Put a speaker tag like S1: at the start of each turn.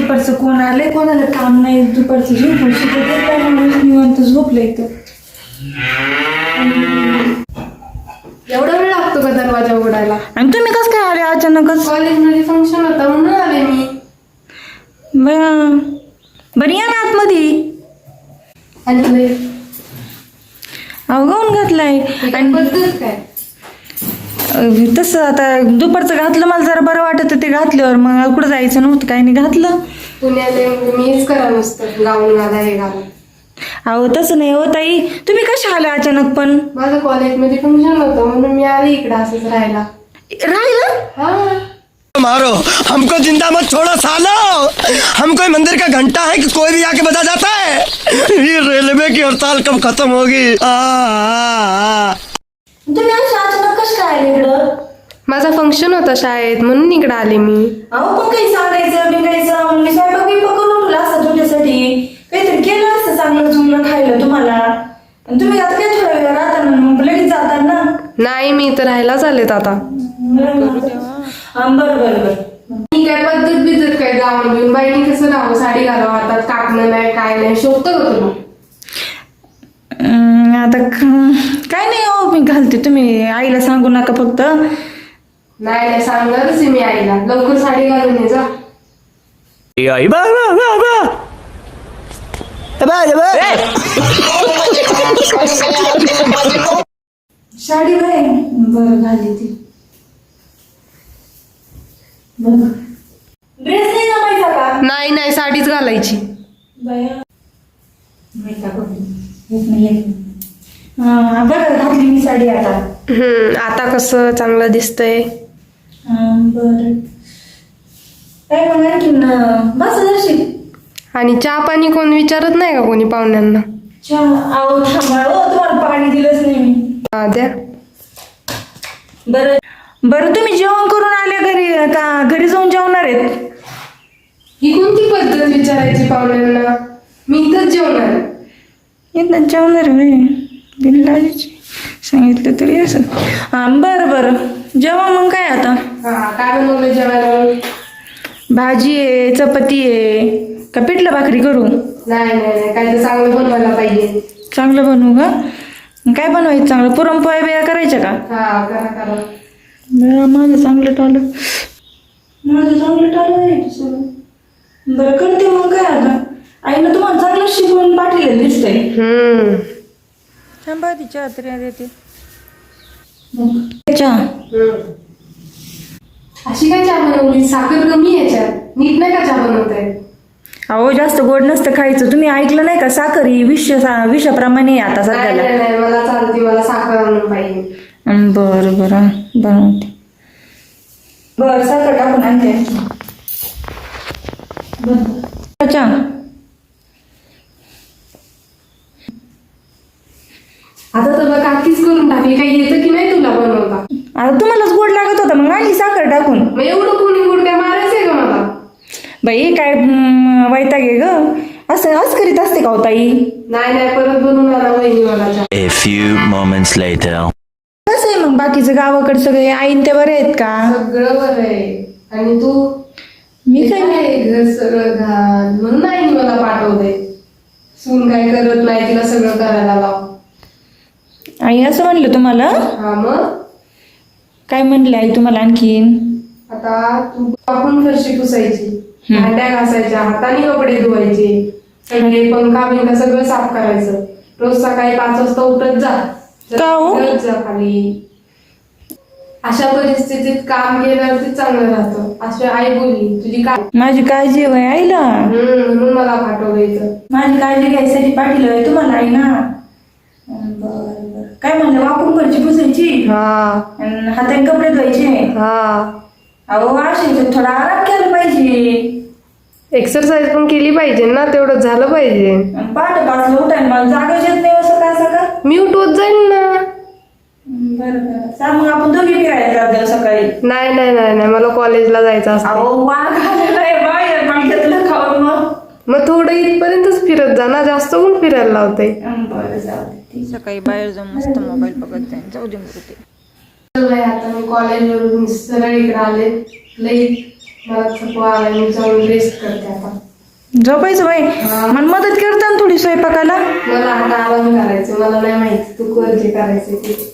S1: दुपारचं कोण आलंय, कोणाला काम नाही दुपारचं निवांत झोपलं इथं.
S2: एवढा वेळ लागतो का दरवाजा उघडायला?
S1: आणि तुम्ही कसं काय आले अचानकच?
S2: कॉलेजमध्ये फंक्शन होता म्हणून आले मी.
S1: बरं या ना आतमध्ये.
S2: आणि
S1: अहो गाऊन घातलाय
S2: आणि पद्धत काय?
S1: तसं आता दुपारचं घातलं, मला जरा बरं वाटत ते घातल्यावर. मग कुठं जायचं नव्हतं, काही नाही घातलं.
S2: पुण्यात मीच करा नुसतं गाऊन घाला हे घाला.
S1: अहो तसं नाही हो ताई, तुम्ही कशा आल्या अचानक? पण
S2: माझं कॉलेजमध्ये फंक्शन होतं म्हणून मी आले इकडे असंच राहायला.
S1: राहिलं?
S3: मारो हमको जिंदा मत छोड़ो सालो, हम कोई मंदिर का घंटा है कि कोई भी आके बजा जाता है। ये रेलवे की हड़ताल कब खत्म होगी?
S1: तुम्ही अचानक कसं काय आले इकडं?
S2: माझा फंक्शन होता शाळेत म्हणून इकडे आले मी.
S1: अहो पण काही सांगायचं बिंगायचं, मी स्वयंपाक बिंपाक करून ठेवला असतं तुमच्यासाठी, काहीतरी केलं असतं चांगलं चुंगलं खायला तुम्हाला. आणि तुम्ही आता काय थोड्या वेळ राहता ना, मग लगेच जातात ना.
S2: नाही मी तर राहायलाच आलेत आता.
S1: बरं बरं बरं.
S2: मी काय पद्धत बिद्धत काय गाऊन घेऊन बाईनी कसं राहावं, साडी घालावं, हातात कापणं नाही काय नाही, शोभतं का तुला?
S1: आता काय नाही हो, मी घालते. तुम्ही आईला सांगू नका फक्त.
S2: नाही नाही सांगणारच आहे मी आईला. लवकर साडी घालून ये जा.
S1: साडी बाय बरं घाली ती. ड्रेस नाही जमायचा का?
S2: नाही नाही साडीच घालायची.
S1: बरं घातली मी साडी आता.
S2: आता कसं चांगलं दिसतंय.
S1: बरं काय मग आणखीन बस जरशी.
S2: आणि चहा पाणी कोण विचारत नाही का कोणी पाहुण्यांना?
S1: अहो थांबा हो, तुम्हाला पाणी दिलंच नाही मी.
S2: हा द्या.
S1: बरं बरं तुम्ही जेवण करून आले घरी का घरी जाऊन जेवणार आहेत?
S2: ही कोणती पद्धत विचारायची पाहुण्यांना? मी इथंच जेवणार.
S1: इथं जेवणार बिनलाजीची सांगितलं तरी असं. बरं बरं जेवा मग. काय आता
S2: हा काय बनवलं जेवायला?
S1: भाजी आहे, चपाती आहे, का पिठलं भाकरी करू?
S2: नाही नाही नाही काय तर चांगलं बनवायला पाहिजे.
S1: चांगलं बनवू का? काय बनवायचं चांगलं? पुरणपोळ्या बिया करायच्या का?
S2: हा करा करा.
S1: माझं चांगलं टाळलं, माझं चांगलं टाळलं सगळं. बरं करते मग. काय आता आईनं तुम्हाला चांगलं शिकवून पाठवलेलं दिसतंय. थांबा तिच्या तरी देते चहा.
S2: अशी काय चहा बनवली? साखर कमी याच्यात, नीट नाही का चहा बनवताय?
S1: अहो जास्त गोड नसतं खायचं. तुम्ही ऐकलं नाही का? साखर ही विषाप्रमाणे आता सध्याला.
S2: नाही मला चालते, मला साखर आणून पाहिजे.
S1: बरं बरं बनवते. बरं साखर टाकून आणते. अच्छा
S2: आता तर काकीच करून टाकली. काही येतं की नाही तुला बनवता?
S1: आता तुम्हालाच गोड लागत होता मग आणली साखर टाकून.
S2: मग एवढं कोणी गोड काय मारायचंय का मला?
S1: बाई काय वैताग आहे ग. असं करीत असते का हो ताई?
S2: नाही परत बनवून आला वहिनी मला चहा.
S4: A few moments later.
S1: कसं आहे मग बाकीचं गावाकडे सगळे आईन ते बरे आहेत का?
S2: सगळं बरं आहे. आणि तू?
S1: मी काय
S2: काय घर सगळं घाल म्हणून नाही मला पाठवते. सून काय करत नाही, तिला सगळं करायला लाव.
S1: आई असं म्हणलं तुम्हाला?
S2: हा मग
S1: काय म्हणले आई तुम्हाला आणखीन?
S2: आता तू आपण फरशी पुसायची, भांड्या घासायच्या, हाताने कपडे धुवायचे, सगळे पंखा बिंखा सगळं साफ करायचं. रोज सकाळी 5 वाजता उठत जा.
S1: का हो?
S2: जा खाली. अशा परिस्थितीत काम केल्यावरती चांगलं राहतं. अशी आई बोलली. तुझी काय?
S1: माझी काळजी आहे आईला.
S2: म्हणून मला पाठवलं इथं.
S1: माझी काळजी घ्यायसाठी पाठवलंय तुम्हाला आई ना. बरं काय म्हणलं? वापरून फरची पुसायची, हाताने कपडे धुवायचे. अहो अशी थोडा आराम केला पाहिजे.
S2: एक्सरसाइज पण केली पाहिजे ना, तेवढं झालं पाहिजे.
S1: पहाटे 5ला उठायला मला जागाच येत नाही. सकाळ सकाळ
S2: मी उठवत जाईल ना.
S1: बरं सांग मग आपण दोघी फिरायला जाऊ सकाळी.
S2: नाही मला कॉलेजला जायचं असतं.
S1: अहो वाघ आलेलाय बाहेर, पण घेतलं खाऊन.
S2: मग थोडं इथपर्यंतच फिरत जा ना, जास्त कोण फिरायला लावते.
S1: बरं जाऊ. सकाळी बाहेर जाऊन मस्त मोबाईल बघत जाईन. जाऊ दे मग ते.
S2: आता मी कॉलेजवरून सरळ इकडे आले. लई मला थकवा आला मी जाऊन रेस्ट करते आता.
S1: झोपायचं बाई. मला मदत करता ना थोडी स्वयंपाकाला.
S2: मला आता आराम करायचं, मला नाही माहिती तू कर जे करायचं ते.